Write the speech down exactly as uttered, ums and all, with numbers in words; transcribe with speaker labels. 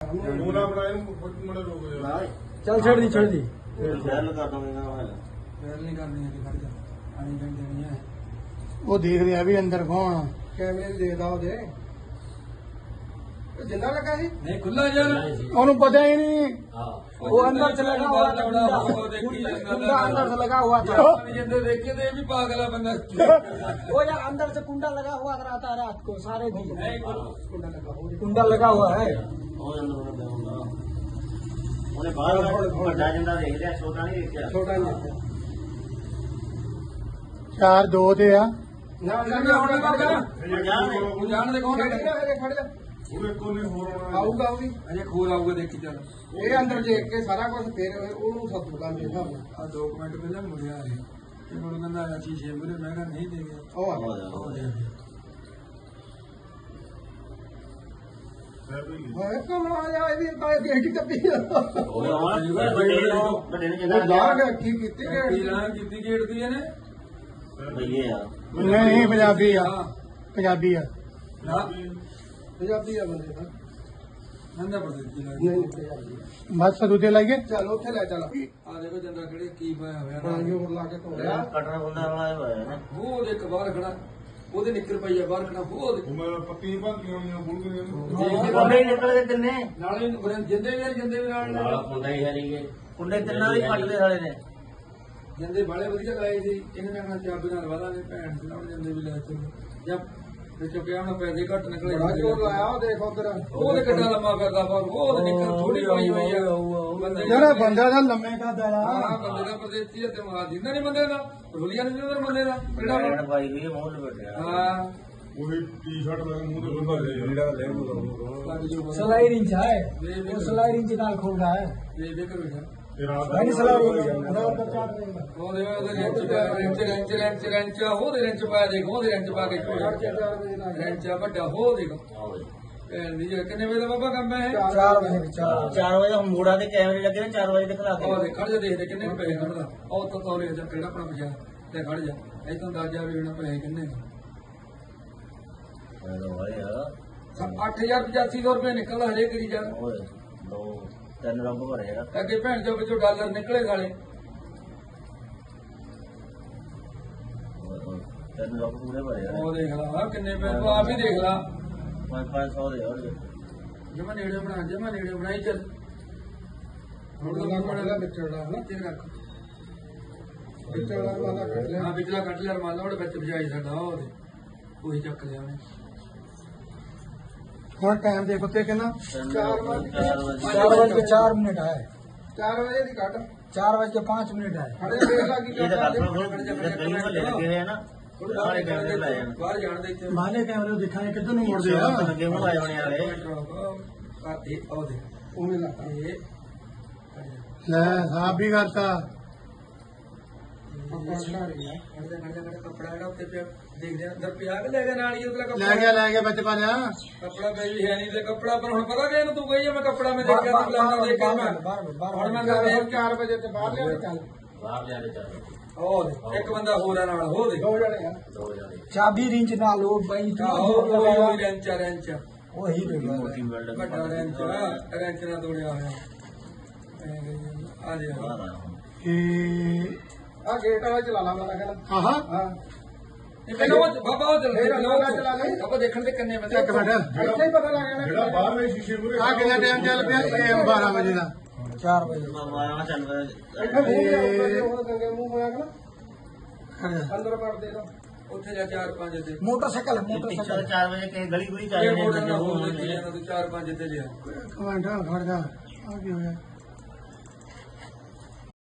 Speaker 1: मोला बनाए मड़े रोक यार
Speaker 2: चल छेड़ दी छेड़ दी
Speaker 3: ਫੈਲ ਕਰ ਦਵਾਂਗਾ
Speaker 2: फैल नहीं करनी है खड़ जा पानी कर देनी है
Speaker 4: वो देख रहा भी अंदर कौन
Speaker 2: कैमरे में देखदा हो दे जिंदा लगा है नहीं खुला यार
Speaker 4: ਉਹਨੂੰ पता ही नहीं
Speaker 2: वो अंदर से लगा हुआ था कुंडा अंदर से लगा हुआ था जिंदे देखे थे भी पागल है बंदा वो यार अंदर से कुंडा लगा हुआ रहता है रात को सारे दिन कुंडा लगा हुआ कुंडा लगा हुआ है
Speaker 3: ਉਹਨੇ ਬਾਹਰ ਵੱਡਾ ਜਿੰਦਾ ਦੇਖ ਲਿਆ ਛੋਟਾ ਨਹੀਂ ਦੇਖਿਆ
Speaker 2: छोटा नहीं है
Speaker 4: चार दो ते आ
Speaker 2: ना ना ना होने का जान दे कौन खड़ जा
Speaker 1: ਉਹਦੇ ਕੋਨੇ ਹੋਰ ਆਉਣਾ
Speaker 2: ਆਊਗਾ ਉਹ ਵੀ ਅਜੇ ਖੋਰ ਆਊਗਾ ਦੇਖੀ ਚੱਲ ਇਹ ਅੰਦਰ ਦੇਖ ਕੇ ਸਾਰਾ ਕੁਝ ਫੇਰ ਉਹਨੂੰ ਸੱਤ ਦੁਕਾਨ ਦੇ ਹਿਸਾਬ ਨਾਲ ਆ ਦੋ ਮਿੰਟ ਪਹਿਲਾਂ ਮੁੜਿਆ ਇਹ ਤੇ ਹੁਣ ਕਹਿੰਦਾ ਆ ਚੀਜ਼ ਮੂਰੇ ਮੈਂ ਕਿਹਾ ਨਹੀਂ ਦੇ ਗਿਆ ਉਹ ਆ ਗਿਆ ਹੋਏ ਕਮਲਾ ਆ ਇਹ ਵੀ ਤਾਂ ਗੇਟ ਟੱਪੀ
Speaker 3: ਉਹ ਵੱਡੇ ਨੂੰ ਵੱਡੇ ਨੂੰ ਜਿੰਦਾ
Speaker 2: ਲਾਗ ਕੀ ਕੀਤੀ ਗੇਟ ਦੀ ਲਾਗ ਕੀਤੀ ਗੇਟ ਦੀ ਇਹਨੇ
Speaker 3: ਭਈਏ ਆ
Speaker 4: नहीं पंजाबी आ पंजाबी आ
Speaker 2: ਨਾ ਪੰਜਾਬੀ ਆ ਬੰਦੇ ਦਾ ਨੰਦਾ ਪ੍ਰਦੇਸ਼ ਦੀ ਲਾਗ ਨਹੀਂ ਪੰਜਾਬੀ
Speaker 4: बस दूधे लाइए
Speaker 2: ਚੱਲ ਉੱਥੇ ਲੈ ਚੱਲ ਆ ਦੇਖੋ ਜੰਦਾ ਕਿਹੜੇ ਕੀ ਪਾਇਆ ਹੋਇਆ ਪਾਣੀ ਹੋਰ ਲਾ ਕੇ ਧੋਇਆ
Speaker 3: ਕਟਰ ਬੰਦਾ ਵਾਲਾ ਹੋਇਆ ਨਾ
Speaker 2: ਉਹ ਦੇਖ ਬਾਹਰ ਖੜਾ ਉਹਦੇ ਨਿੱਕਰ ਪਈ ਆ ਬਾਹਰ ਖੜਾ ਉਹ ਦੇਖ
Speaker 1: ਮੈਂ ਪੱਤੀ ਭਾਂਤੀਆਂ ਹੋਈਆਂ ਬੁਲ ਗਈਆਂ
Speaker 3: ਕੁੰਡੇ ਨਿਕਲ ਕੇ ਤਿੰਨੇ
Speaker 2: ਨਾਲੇ ਜਿੰਦੇ ਵੀ ਜਿੰਦੇ ਵੀ ਨਾਲ
Speaker 3: ਨਾਲ ਕੁੰਡਾ ਹੀ ਹਰੀ ਗਏ ਕੁੰਡੇ ਤਿੰਨਾਂ ਵੀ ਕੱਟਦੇ ਸਾਲੇ ਨੇ
Speaker 2: ਜਿੰਦੇ ਬਾਲੇ ਵਧੀਆ ਲਾਏ ਸੀ ਇਹਨੇ ਨੇ ਆਪਣਾ ਚਾਬੀ ਨਾਲ ਵਾਲਾਂਗੇ ਭੈਣ ਦੇ ਨਾਲ ਜਿੰਦੇ ਵੀ ਲੈ ਚੁੱਕੇ ਜਦ ਵਿੱਚੋਂ ਪਿਆ ਉਹਨਾਂ ਪੈਸੇ ਘੱਟ ਨਿਕਲੇ ਬੜਾ ਜੋਰ ਲਾਇਆ ਉਹ ਦੇਖ ਉਧਰ ਉਹਦੇ ਕਿੱਡਾ ਲੰਮਾ ਫਿਰਦਾ ਪਰ ਉਹ ਨਿੱਕਰ ਥੋੜੀ ਪਾਈ ਹੋਈ ਆ ਬੰਦੇ
Speaker 4: यार बंदा था लम्बे का दड़ा
Speaker 2: ਹਾਂ ਬੰਦੇ ਦਾ ਪ੍ਰਦੇਸੀ ਤੇ ਮਾਰ ਦਿੰਦਾ ਨਹੀਂ ਬੰਦੇ ਦਾ ਰੁਲੀਆ ਨਹੀਂ ਦਿੰਦਾ ਬੰਦੇ ਦਾ ਕਿਹੜਾ
Speaker 3: ਭੈਣ ਭਾਈ ਵੀ ਮੂੰਹ ਲਪਟਿਆ
Speaker 2: ਹਾਂ
Speaker 1: ਉਹੀ ਟੀ-ਸ਼ਰਟ ਲੈ ਮੂੰਹ ਤੇ ਬੰਦਾ ਲੈ ਜਿਹੜਾ ਲੈ
Speaker 2: ਸਲਾਈ ਰਿੰਚ ਹੈ ਉਹ ਸਲਾਈ ਰਿੰਚ ਨਾਲ ਖੋਲਦਾ ਹੈ ਇਹ ਦੇਖ ਬੇਟਾ
Speaker 1: ਤੇ ਰਾਤ
Speaker 2: ਨਹੀਂ ਸਲਾਈ ਰਿੰਚ ਉਹ ਦੇ ਉਹਦੇ ਰਿੰਚ ਰਿੰਚ ਰਿੰਚ ਰਿੰਚ ਰਿੰਚ ਉਹਦੇ ਰਿੰਚ ਪਾ ਦੇਖ ਉਹਦੇ ਰਿੰਚ ਪਾ ਕੇ ਰਿੰਚ ਵੱਡਾ ਹੋ ਦੇਖ ਭੈਣ ਦੀ ਕਿੰਨੇ ਵਜੇ ਦਾ ਬਾਬਾ ਕੰਮ ਹੈ ਚਾਰ ਵਜੇ
Speaker 3: ਚਾਰ ਵਜੇ ਦਾ ਮੋੜਾ ਤੇ ਕੈਮਰੇ ਲੱਗੇ ਨੇ ਚਾਰ ਵਜੇ ਤੱਕ ਲਾ
Speaker 2: ਉਹ ਦੇਖ ਖੜ ਜਾ ਦੇਖਦੇ ਕਿੰਨੇ ਪੈਸੇ ਕੱਢਦਾ ਉਹ ਤਾਂ ਤੋਲੇ ਜਾ ਕਿਹੜਾ ਆਪਣਾ ਪਿਆ ਤੇ ਖੜ ਜਾ ਇਹ ਤਾਂ ਅੰਦਾਜ਼ਾ ਵੀ ਉਹਨਾਂ ਪੈਸੇ ਕਿੰਨੇ ਅੱਠ ਹਜ਼ਾਰ ਪਚਾਸੀ ਸੌ ਰੁਪਏ ਨਿਕਲਦਾ ਹਜੇ ਕਰੀ ਜਾ
Speaker 3: ਓਏ ਦੋ ਤਿੰਨ ਰੰਗ ਭਰੇ ਆ
Speaker 2: ਅੱਗੇ ਭੈਣ ਚੋਂ ਵਿੱਚੋਂ ਡਾਲਰ ਨਿਕਲੇ ਸਾਲੇ
Speaker 3: ਤਿੰਨ ਰੰਗ ਪੂਰੇ ਭਰੇ ਆ
Speaker 2: ਉਹ ਦੇਖ ਲਾ ਕਿੰਨੇ ਪੈਸੇ ਤੂੰ ਆਪ ਹੀ ਦੇਖ ਲਾ
Speaker 3: ਪੰਜ ਪੰਜ ਸੌ ਦੇ ਹੋਰ
Speaker 2: ਜਮਾ ਨੇੜੇ ਬਣਾ ਜਮਾ ਨੇੜੇ ਬਣਾਈ ਚੱਲ ਹੁਣ ਤਾਂ ਬੜਾ ਵਿਚੜਾ ਨਾ ਤੇ ਰੱਖ ਵਿਚੜਾ ਵਾਲਾ ਕੱਢ ਲਿਆ ਹਾਂ ਵਿਚੜਾ ਕੱਢ ਲਿਆ ਰਮਾਲਾ ਉਹਦੇ ਵਿੱਚ ਵਜਾਈ ਸਾਡਾ ਉਹਦੇ ਕੋਈ ਚੱਕ ਲਿਆ ਉਹਨੇ
Speaker 4: और टाइम देखो ते कितना
Speaker 2: चार बजे
Speaker 3: ਚਾਰ ਵਜੇ
Speaker 2: चार बज के चार मिनट है चार बजे की काट चार बज के पाँच मिनट है खड़े देख ला की
Speaker 3: ਇਹ ਤਾਂ ਕੱਟ ਲੋ ਗਲੀ ਮਹੱਲੇ ਲੱਗੇ ਹੋਏ ਆ ਨਾ ਸਾਰੇ ਕੈਮਰੇ ਲਾਏ ਆ
Speaker 2: ਬਾਹਰ ਜਾਣ ਦੇ ਇੱਥੇ
Speaker 4: माने कैमरे दिखाए किधर नहीं मुड़
Speaker 3: ਜਿਹੜੇ
Speaker 4: दिया
Speaker 3: ਲੱਗੇ ਹੋਏ ਆਏ ਹੋਣੇ ਵਾਲੇ
Speaker 2: ਆਦੇ ਆਦੇ ਉਵੇਂ ਲਾ ਇਹ
Speaker 4: ले साहब भी करता
Speaker 2: ਕੱਪੜਾ ਖੜਾ ਰਿਹਾ ਖੜਦਾ ਖੜਦਾ ਖੜਾ ਕੱਪੜਾ ਜਿਹੜਾ ਉੱਤੇ ਪਿਆ ਦੇਖਦੇ ਆ ਅੰਦਰ ਪਿਆ ਕਿ ਲੈ ਗਿਆ ਨਾਲ ਹੀ ਉਹਦਾ
Speaker 4: ले
Speaker 2: ਕੱਪੜਾ
Speaker 4: गया ले गया बच पा लिया
Speaker 2: ਕੱਪੜਾ ਪਈ ਵੀ ਹੈ ਨਹੀਂ ਤੇ ਕੱਪੜਾ ਪਰ ਹੁਣ ਪਤਾ ਕਿ ਇਹਨੂੰ ਤੂੰ ਕਹੀ ਮੈਂ ਕੱਪੜਾ ਮੈਂ ਦੇਖਿਆ ਤੂੰ ਲਾਣਾ ਦੇਖਿਆ ਮੈਂ ਹੁਣ ਮੈਂ ਕਹਿੰਦਾ ਚਾਰ ਵਜੇ ਤੇ ਬਾਹਰ ਲਿਆ ਚੱਲ
Speaker 3: ਬਾਹਰ ਲਿਆ ਕੇ ਚੱਲ
Speaker 2: ਉਹ ਦੇਖ, ਇੱਕ ਬੰਦਾ ਹੋਰ ਆ ਨਾਲ ਹੋ ਦੇ ਦੋ ਜਣੇ ਆ
Speaker 3: ਦੋ ਜਾਣੇ
Speaker 2: ਚਾਬੀ ਰਿੰਚ ਨਾਲ ਉਹ ਬਾਈ ਉਹ ਰੈਂਚ ਰੈਂਚ ਉਹੀ
Speaker 3: ਮੋਟੀ ਬਿਲਡਿੰਗ
Speaker 2: ਵੱਡਾ ਰੈਂਚ ਰੈਂਚ ਨਾਲ ਤੋੜਿਆ ਹੋਇਆ ਆ ਦੇ
Speaker 3: ਬਾਹਰ ਆ
Speaker 4: ए
Speaker 2: ਆ ਗੇਟ ਵਾਲਾ ਚਲਾ ਲਾ ਮੈਂ ਕਹਿੰਦਾ
Speaker 4: आहा
Speaker 2: ਹਾਂ ਇਹ ਮੈਨੂੰ ਉਹ ਬਾਬਾ ਉਹ ਚਲਾ ਚਲਾ ਲੈ ਆਪਾਂ ਦੇਖਣ ਦੇ ਕਿੰਨੇ ਬੰਦੇ
Speaker 4: एक मिनट
Speaker 2: ਇੱਥੇ ਹੀ ਪਤਾ ਲੱਗ ਜਾਣਾ
Speaker 1: ਜਿਹੜਾ ਬਾਹਰਲੇ ਸ਼ੀਸ਼ੇ ਮੂਰੇ
Speaker 4: आ कितना टाइम चल पिया ए बारह बजे का
Speaker 2: ਚਾਰ ਵਜੇ
Speaker 3: ਮਾਰਨਾ ਚੱਲ ਪਿਆ
Speaker 2: ਇੱਥੇ ਮੂੰਹ ਲਿਆ ਉਹ ਗੰਗੇ ਮੂੰਹ ਹੋਇਆ ਕਿ ਨਾ ਅੰਦਰ ਵੜ ਦੇ ਦੋ ਉੱਥੇ ਜਾ ਚਾਰ ਪੰਜ ਤੇ ਮੋਟਰਸਾਈਕਲ
Speaker 3: ਪਿੱਛੇ ਚਾਰ ਵਜੇ ਕਿਸੇ ਗਲੀ ਗੁਲੀ ਚ ਆਏ
Speaker 2: ਇਹ
Speaker 3: ਨੇ
Speaker 2: ਮੋਟਰ
Speaker 3: ਲੱਗੇ
Speaker 2: ਨਾ
Speaker 3: ਹੋਏ
Speaker 2: ਹੋਣ
Speaker 3: ਨੇ
Speaker 2: ਦੇ ਤੂੰ ਚਾਰ ਪੰਜ ਤੇ ਲਿਆ
Speaker 4: कमांडर खड़ जा आ गया